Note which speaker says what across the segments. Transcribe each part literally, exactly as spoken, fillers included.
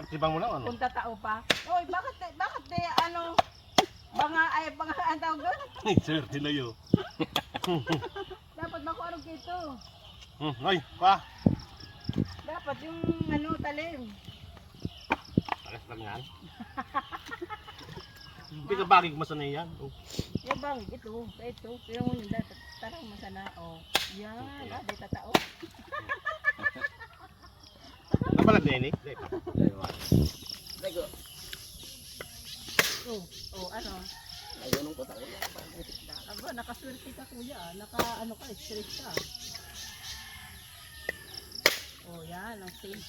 Speaker 1: Sibang mo na ano?
Speaker 2: Punta tao pa. Oy, bakit bakit di ano mga ay mga ang tawag doon?
Speaker 1: Sir, tilayo.
Speaker 2: Dapat makuarog kito.
Speaker 1: Hmm, ay, pa.
Speaker 2: Dapat yung ano talim.
Speaker 1: Pares lang yan. Hindi ka bagig masanay yan. Oh.
Speaker 2: Yung bang ito, ito, pero mo yung dapat tarang masana oh. Yan, ah, di tatao.
Speaker 1: Napalag na ini.
Speaker 3: Lego.
Speaker 2: Oh, oh ano?
Speaker 3: Lego nung kota ko.
Speaker 2: Aba, nakaswerte ka kuya, naka ano ka, straight ka. Oh, yan, ang safe.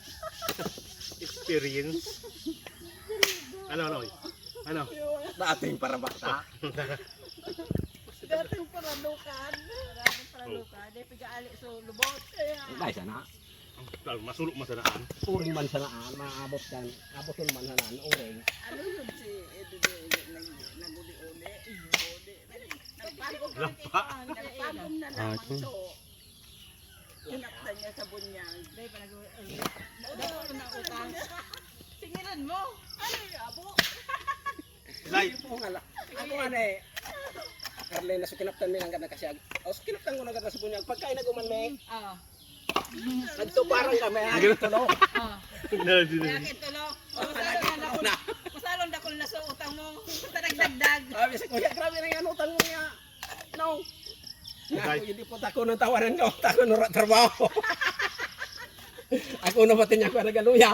Speaker 1: Experience. Ano, ano? Ano?
Speaker 3: Dating para bata.
Speaker 2: Dating paralukan. Dating paralukan. Di pigaali so lubot.
Speaker 3: Dahil sana.
Speaker 1: Masulok masanaan.
Speaker 3: Uring man sanaan. Maabot kan. Abot yung man sanaan. Uring.
Speaker 2: Ano yun si Edo naguli-uli? Uli. Nagpagod
Speaker 1: Lampa.
Speaker 2: Nagpagod na naman so. Inaktan niya sa bunyang. Dahil pa nag-uli. Dapat na utang. Tingilan mo. Ano yung abo?
Speaker 1: Like.
Speaker 3: Ako nga la- Ako nga na eh. Arlene, na sukinaptan mo lang ganda kasi. O sukinaptan ko na ganda sa bunyag. Pagkain na guman me.
Speaker 2: Ah.
Speaker 3: Nagtuparang kami. Agad ito no.
Speaker 2: Ah.
Speaker 1: Na, di
Speaker 2: Kaya
Speaker 1: na.
Speaker 2: kito lo. Masalon dakol na sa utang mo. Basta nagdagdag.
Speaker 3: Sabi sa kuya, grabe na yan utang mo niya. No. Nga
Speaker 1: Okay.
Speaker 3: ako, hindi po tako ng tawanan ko. Tako ng trabaho. Ako na pati niya ko nagaluya.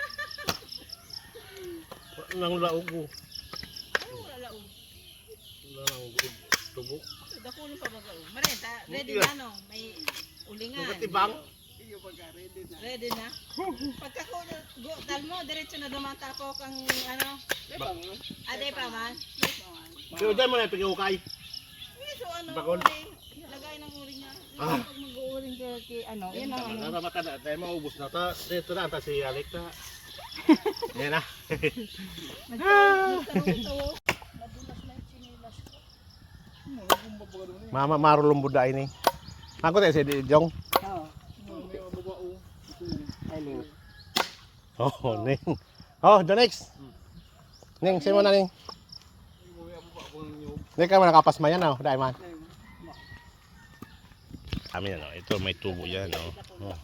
Speaker 1: Nang laog ko.
Speaker 2: Ano wala lao?
Speaker 1: Nang tubo.
Speaker 2: Dakol pa ba kao? Marenta, ready na no? May ulingan.
Speaker 1: Nakatibang.
Speaker 2: Iyo pagka ready na. Ready na. Pagka ko go dal mo diretso na dumatapok ang ano? Ade pa man.
Speaker 1: Pero dyan mo na pag-iukay.
Speaker 2: So ano?
Speaker 1: Bakol.
Speaker 2: Uling. Lagay ng uling niya.
Speaker 1: Ah.
Speaker 2: Pag mag-uuling ka kay ano, yan ang ano.
Speaker 1: Nararamata na. Dahil maubos na. Ta, dito na. Ta si Alec na. Yan na.
Speaker 2: Nagtawo. Nadulas na yung chinilas ko.
Speaker 1: Mama marulong buday ni. Ako tayo si Jong.
Speaker 2: Oo.
Speaker 1: Oh, Ning. Oh, the next. Ning, sino na Ning? Hindi ka man nakapasma yan, oh. Dahil man. Kami na, no. Ito may tubo yan, no. Oh.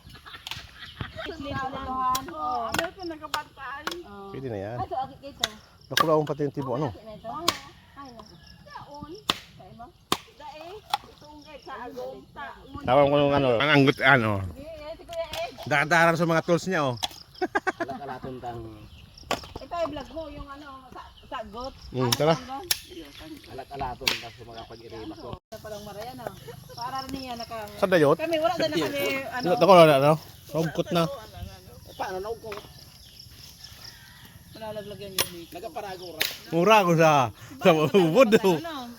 Speaker 2: Oh, ano ito nagkabantay?
Speaker 1: Pwede na yan.
Speaker 2: Ato akit dito.
Speaker 1: Nakulaong pati yung tibo, ano.
Speaker 2: Ay na. Daon. Kaya mo? Dae. Itong kay sa agong taon.
Speaker 1: Tawag ko yung ano. Ang anggot, ano.
Speaker 2: Eh, si Kuya Ed.
Speaker 1: Dakadaran sa mga tools niya, oh.
Speaker 3: Kalakalaton tang
Speaker 2: Ito ay vlog mo yung ano sa sagot.
Speaker 1: Hmm, tara.
Speaker 3: alat-alaton tang sa mga pag-irima ko.
Speaker 2: Sa palang marayan ah. Para niya naka
Speaker 1: Sa dayot?
Speaker 2: kami wala na kami ano.
Speaker 1: Ito ko na, ano. Rungkot na.
Speaker 3: Eh, paano na ko?
Speaker 2: Malalaglagan yun dito.
Speaker 3: Nagaparagura.
Speaker 1: Mura ko sa sa ubod, oh.
Speaker 2: Ano?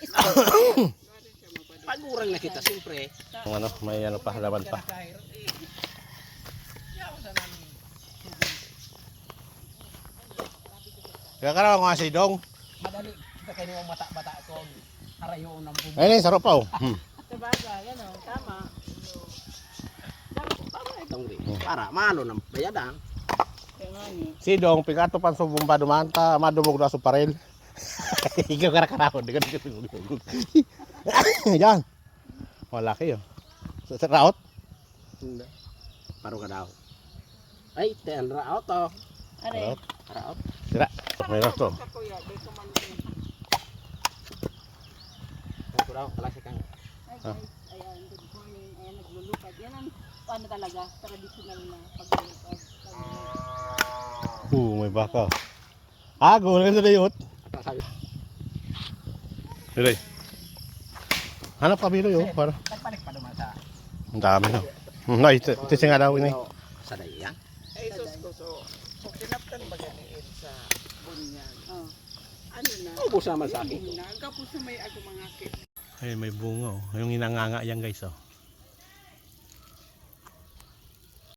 Speaker 3: Pagurang na kita, siyempre.
Speaker 1: Ang ano, may ano pa, laban pa. Kaya ka naman nga si Dong.
Speaker 3: Madali. Kita kayo yung mata-bata ko. Harayo ng bumbu.
Speaker 1: Ayun, sarap pa, oh. Hmm.
Speaker 2: Sabagay, ano, tama.
Speaker 3: Para malo ng bayadang.
Speaker 2: Kaya nga ni.
Speaker 1: Si Dong, pigato pan sa bumba dumanta, madumog na sa parel. Ikaw karakarahon, di ka di ka. Yan. Wala kayo. Sa sa raot?
Speaker 3: Paro ka daw. Ay, ten raot to.
Speaker 2: Are.
Speaker 1: Raot.
Speaker 3: Raot.
Speaker 1: Sira. May raot to.
Speaker 2: Kuya, di ko man.
Speaker 3: Ako daw, klase kang.
Speaker 2: Ay guys, ayan, good morning. Ayan, naglulupad. Yan ang ano talaga, traditional na paglulupad.
Speaker 1: Uh, may baka. Ah, gawin ka sa dayot.
Speaker 3: Sabi,
Speaker 1: Diray. Hanap ka bilo yun. Para.
Speaker 3: nagpanik pa naman sa
Speaker 1: Ang dami no. No, ito, ito siya nga daw ini.
Speaker 3: sa dayang.
Speaker 2: Ay, sus ko, so, kung tinaptan ba ganiin sa bunyan, oh. Ano na?
Speaker 3: Ubus naman sa akin.
Speaker 2: Nagkapos na may ako mga kit.
Speaker 1: Ay, may bunga oh. Yung inanganga yan guys oh.